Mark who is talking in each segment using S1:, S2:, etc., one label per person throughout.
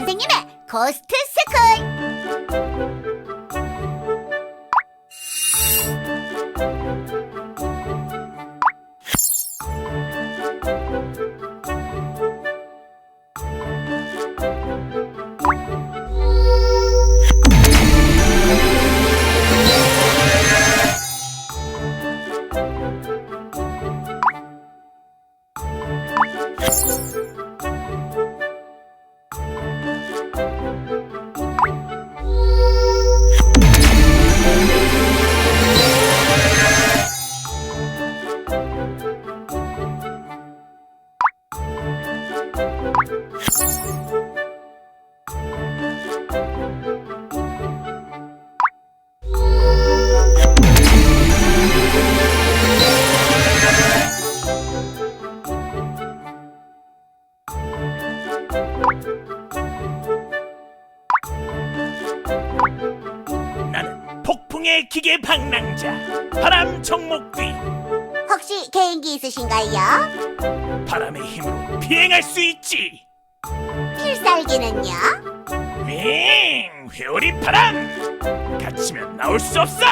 S1: 선생님의 고스트 스쿨.
S2: 나는 폭풍의 기계 방랑자 바람 정목귀.
S1: 혹시 개인기 있으신가요?
S2: 바람의 힘으로 비행할 수 있지.
S1: 필살기는요?
S2: 윙! 회오리 바람! 갇히면 나올 수 없어!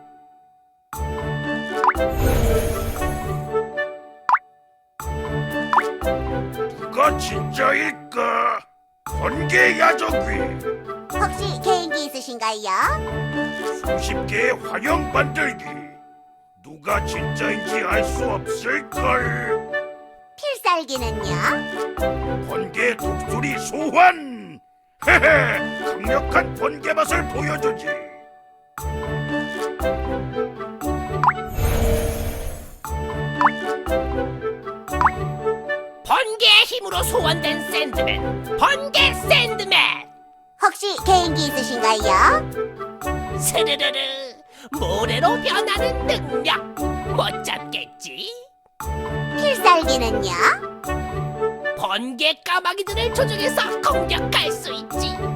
S2: 누가 진짜일까? 번개 야적귀!
S1: 혹시 개인기 있으신가요?
S2: 수십 개의 화형 만들기! 누가 진짜인지 알 수 없을걸?
S1: 필살기는요?
S2: 번개 독수리 소환! 헤헤! 강력한 번개 맛을 보여주지!
S3: 번개의 힘으로 소환된 샌드맨, 번개 샌드맨.
S1: 혹시 개인기 있으신가요?
S3: 스르르르, 모래로 변하는 능력 못 잡겠지?
S1: 필살기는요?
S3: 번개 까마귀들을 조종해서 공격할 수 있지.